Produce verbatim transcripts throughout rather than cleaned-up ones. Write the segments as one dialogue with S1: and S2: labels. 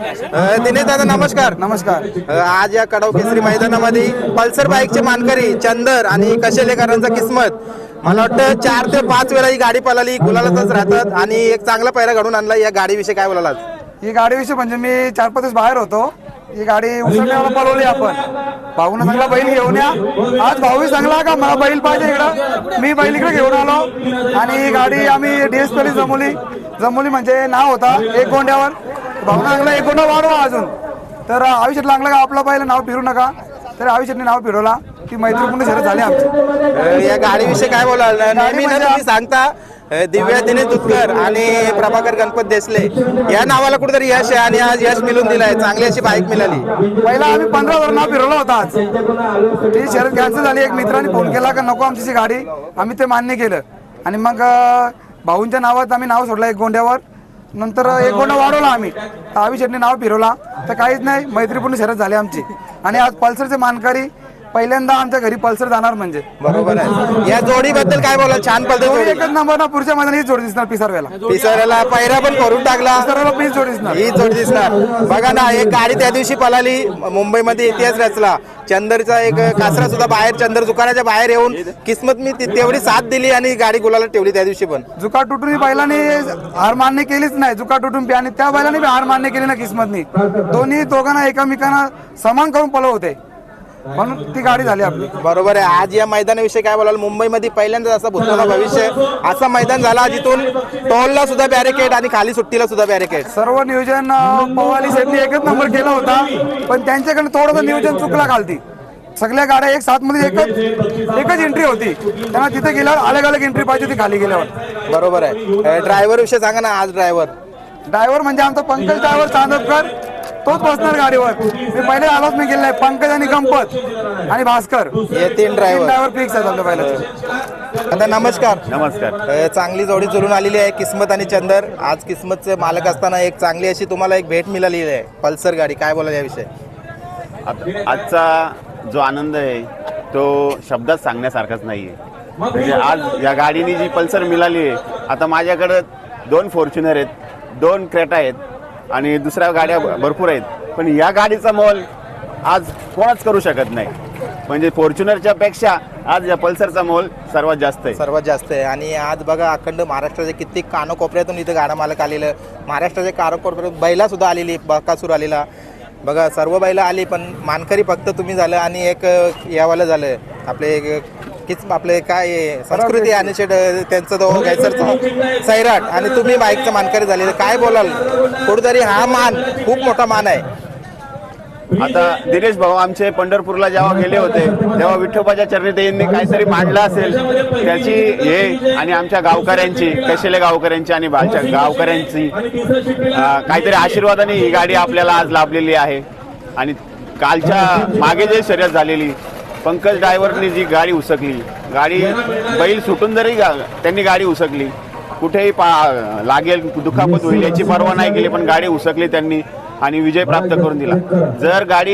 S1: अ, दिनेश दादा नमस्कार.
S2: नमस्कार.
S1: अ, आज या कडाव केसरी मैदानामध्ये पल्सर बाईकचे मानकरी चंदर आणि कशेलेकरांचा किस्मत, मला वाटतं चार ते पाच वेळा ही गाडी पळाली, गुलालातच राहतात आणि एक चांगला पैरा घडून आणला. या गाडीविषयी काय बोलाल?
S2: ही गाडीविषयी म्हणजे मी चार पाच दिवस बाहेर होतो. ही गाडी उसळण्याला पळवली आपण. भाऊनं चांगला बैल घेऊन या. आज भाऊ सांगला का मला बैल पाहिजे इकडं, मी बैल इकडे घेऊन आलो आणि ही गाडी आम्ही डीएसपी जमवली. जमवली म्हणजे नाव होता एक गोंड्यावर. भाऊनं सांगला एक गोंडा वाढवा अजून, तर आयुष्यात लागला का आपला बैल नाव फिरू नका, तर आयुष्यात नाव फिरवला. ती मैत्रीपूर्ण शर्यत झाली आमची.
S1: अ, या गाडीविषयी काय बोलाल? नेहमी ना तुम्ही सांगता अ, दिव्या दिनेश दुधकर आणि प्रभाकर गणपत देसले या नावाला कुठेतरी यश आहे आणि आज यश मिळून दिलंय. चांगली अशी बाईक मिळाली.
S2: पहिला आम्ही पंधरा वर नाव फिरवला होता. आज ती शर्यत कॅन्सल झाली. एक मित्राने फोन केला का नको आमची गाडी, आम्ही ते मान्य केलं आणि मग अ, भाऊंच्या नावात आम्ही नाव सोडलं एक गोंड्यावर. नंतर एक गोंडा वाढवला आम्ही, आयुष्याने नाव फिरवला. तर काहीच नाही, मैत्रीपूर्ण शर्यत झाली आमची. आणि आज पल्सरचे मानकरी पहिल्यांदा आमच्या घरी पल्सर जाणार म्हणजे.
S1: बरोबर आहे. या जोडीबद्दल काय बोला? छान पद्धत जोडी.
S2: एकच नंबर ना, पुढच्या मैदानात हीच जोडी दिसणार. पिसारवेला
S1: पिसाऱ्याला पैरा पण करून टाकला.
S2: पिसारवेला प्लीज जोडी दिसणार.
S1: ही जोडी दिसणार. बघा ना, एक गाडी त्या दिवशी पळाली, मुंबईमध्ये इतिहास रचला. चंदरचा एक कासरा सुद्धा बाहेर, चंदर दुकानाच्या बाहेर येऊन किस्मत मी ती- तेवढी साथ दिली आणि गाडी गुलाला ठेवली त्या दिवशी पण.
S2: जुका तुटून बैलाने हार मान्य केलीच नाही. जुका तुटून बी आणि त्या बैलाने बी हार मान्य केली ना किस्मतनी. दोन्ही दोघांना एकामेकांना समान करून पळव होते, म्हणून ती गाडी झाली आपली.
S1: बरोबर आहे. आज या मैदानाविषयी काय बोलाल? मुंबईमध्ये पहिल्यांदाच असं भूतकाळ भविष्य असं मैदान झाला, जिथून टोलला सुद्धा बॅरिकेड आणि खाली सुट्टीला सुद्धा बॅरिकेड.
S2: सर्व नियोजन अं, पवाली सेटने एकच नंबर केला होता, पण त्यांच्याकडे थोडंसं नियोजन चुकला खालती. सगळ्या गाड्या एक सात मध्ये एकच एकच एंट्री होती. त्यांना तिथे गेल्यावर अलग अलग एंट्री पाहिजे होती खाली गेल्यावर.
S1: बरोबर आहे. ड्रायव्हर विषयी सांगा ना. आज ड्रायव्हर
S2: ड्रायव्हर म्हणजे आमचा पंकज ड्रायव्हर चांदपकर, तोच बसणार गाडीवर. मी पहिले आलोच नाही गेलाय. पंकज आणि गंपत आणि भास्कर
S1: हे तीन ड्रायव्हर
S2: ड्रायव्हर फिक्स आहेत आपल्या पहिल्याचे.
S1: आता नमस्कार.
S3: नमस्कार.
S1: अ, चांगली जोडी जुळून आलेली आहे, किस्मत आणि चंदर. आज किस्मतचे मालक असताना एक चांगली अशी तुम्हाला एक भेट मिळालेली आहे, पल्सर गाडी. काय बोला याविषयी?
S3: आता आजचा जो आनंद आहे तो शब्दात सांगण्यासारखाच नाही आहे. म्हणजे आज या गाडीने जी पल्सर मिळाली आहे, आता माझ्याकडं दोन फॉर्च्युनर आहेत, दोन क्रेटा आहेत आणि दुसऱ्या गाड्या भरपूर आहेत, पण या गाडीचा मोल आज कोणच करू शकत नाही. म्हणजे फॉर्च्युनरच्या पेक्षा आज या पल्सरचा मोल सर्वात जास्त आहे.
S1: सर्वात जास्त आहे. आणि आज बघा, अखंड महाराष्ट्राच्या कित्येक कानकोपऱ्यातून इथे गाडा मालक आलेलं, महाराष्ट्राच्या कानकोपऱ्यात बैला सुद्धा आलेली, बकासूर आलेला. बघा, सर्व बैला आली, पण मानकरी फक्त तुम्ही झालं आणि एक यावाला झालं आपले एक किच आपले काय संस्कृती आणि शेट त्यांचं तो घ्यायचं सैराट आणि तुम्ही बाईकचं मानकरी झालेलं. काय बोलाल? कुठेतरी हा मान खूप मोठा मान आहे.
S3: आता दिनेश भाऊ आमचे पंढरपूरला जेव्हा गेले होते तेव्हा विठोबाच्या चरणी त्यांनी काहीतरी मांडलं असेल, त्याची हे आणि आमच्या गावकऱ्यांची, कशेले गावकऱ्यांची आणि बालच्या गावकऱ्यांची अं, काहीतरी आशीर्वादाने ही गाडी आपल्याला आज लाभलेली आहे. आणि कालच्या मागे जे शर्यत झालेली, पंकज ड्रायव्हरनी जी गाडी उसकली, गाडी बैल सुटून जरी गा त्यांनी गाडी उसकली, कुठेही पा लागेल दुखापत होईल याची पर्वा नाही केली, पण गाडी उसकली त्यांनी आणि विजय प्राप्त करून दिला. जर गाडी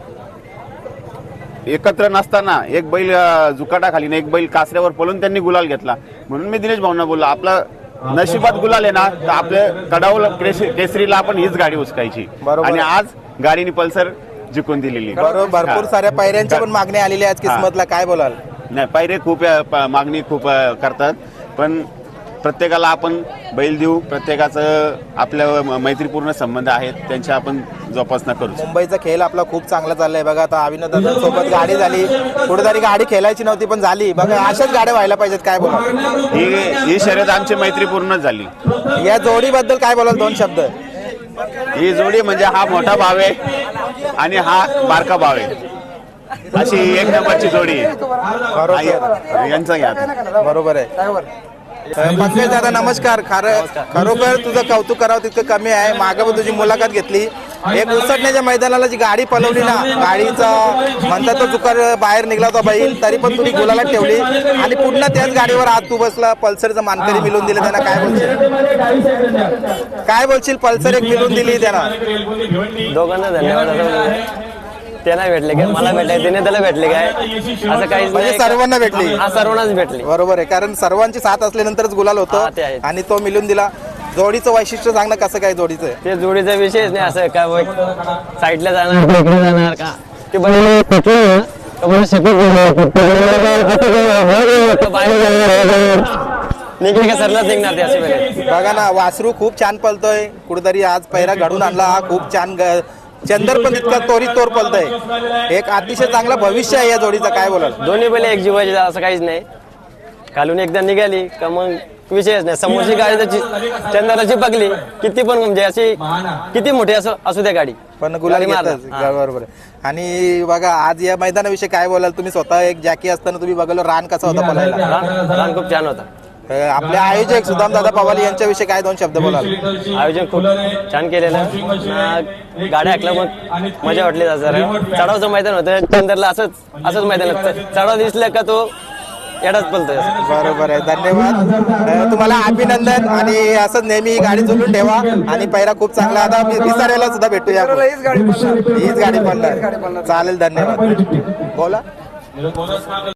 S3: एकत्र नसताना एक बैल जुकाटाखाली एक बैल कासऱ्यावर पळून त्यांनी गुलाल घेतला. म्हणून मी दिनेश भाऊंना बोललो, आपला नशिबात गुलाल आहे ना, तर आपल्या कडावला केसरीला आपण हीच गाडी उचकायची. आणि आज गाडीने पल्सर जिंकून दिलेली.
S1: बरोबर. भरपूर साऱ्या पायऱ्यांच्या पण मागणी आलेली आहे किस्मतला. काय बोलाल?
S3: नाही, पायरे खूप मागणी खूप करतात, पण प्रत्येकाला आपण बैल देऊ. प्रत्येकाचं आपल्या मैत्रीपूर्ण संबंध आहेत, त्यांची आपण जोपासना करू.
S1: मुंबईचा खेळ आपला खूप चांगला चाललाय. बघा, आता अभिनंदन सोबत गाडी झाली, कुठेतरी गाडी खेळायची नव्हती पण झाली. बघा, अशाच गाड्या व्हायला पाहिजेत. काय बोला?
S3: ही ही शर्यत आमची मैत्रीपूर्णच झाली.
S1: या जोडीबद्दल काय बोलाल? दोन शब्द.
S3: ही जोडी म्हणजे हा मोठा भाव आहे आणि हा बारका भाव आहे, अशी एक नंबरची जोडी आहे. यांचा घ्या.
S1: बरोबर आहे. पंकज दादा नमस्कार. खरं खरोखर तुझं कौतुक करावं तितकं कमी आहे. मागे पण तुझी मुलाखत घेतली, एक उसटण्याच्या मैदानाला जी गाडी पळवली ना, गाडीचा म्हणतात तो चुकार बाहेर निघला होता बैल, तरी पण तुम्ही गुलाला ठेवली आणि पुन्हा त्याच गाडीवर आज तू बसला. पल्सरचं मानकरी मिळून दिलं त्यांना. काय बोलशील? काय बोलशील? पल्सर एक मिळून दिली त्यांना.
S4: दोघांना धन्यवाद. त्यांना भेटले काय, मला भेटले, तिने त्याला भेटले काय, असं काहीच
S1: म्हणजे
S4: नाही.
S1: सर्वांना भेटली.
S4: हा, सर्वांनाच भेटली.
S1: बरोबर आहे, कारण सर्वांची साथ असल्यानंतरच गुलाल होतो
S4: हा, ते आहे.
S1: आणि तो मिळून दिला. जोडीचं वैशिष्ट्य सांग ना, कसं काय जोडीचं?
S4: ते जोडीचा विषयच नाही असं का बघ, साईडला जाणार का इकडे जाणार का ते बैल कुठलं ना तर मला शिकवत निघले का सरलाच निघणार ते असे बैल.
S1: बघा ना, वासरू खूप छान पळतोय, कुठेतरी आज पहिरा घडून आणला हा खूप छान. ग- चंदर पण इतका तोरी तोर पळतोय, एक अतिशय चांगला भविष्य आहे या जोडीचं, काय बोलाल?
S4: दोन्ही बैल एक जीवाचे असं काहीच नाही. खालून एकदा निघाली का मग विषयच नाही. समोरची गाडी त्याची चंदराची पकली किती पण म्हणजे अशी किती मोठी असो असू द्या गाडी
S1: पण गुलाल
S4: गाडी मारणार.
S1: घेतच बरोबर आहे. आणि बघा आज या मैदानाविषयी काय बोलाल तुम्ही? स्वतः एक जॅकी असताना तुम्ही बघायला रान कसा होता बोलायला?
S4: रान रान खूप छान होता.
S1: आपले आयोजक सुदाम दादा पवाल यांच्याविषयी काय दोन शब्द बोलाल?
S4: आयोजन खूप छान केलेलं. ना गाड्या ऐकल्या मग मजा वाटली जरा. चढावचं मैदान होतं चंदरला, असंच असंच मैदान होतं. चढाव दिसलं का तो एडाच पलतोय.
S1: बरोबर आहे, धन्यवाद. अ, तुम्हाला अभिनंदन आणि असंच नेहमी ही गाडी जोडून ठेवा आणि पहिला खूप चांगला. आता विसाऱ्याला सुद्धा भेटूया आपण.
S2: हीच गाडी पळणार.
S1: हीच गाडी पडणार, चालेल, धन्यवाद. बोला.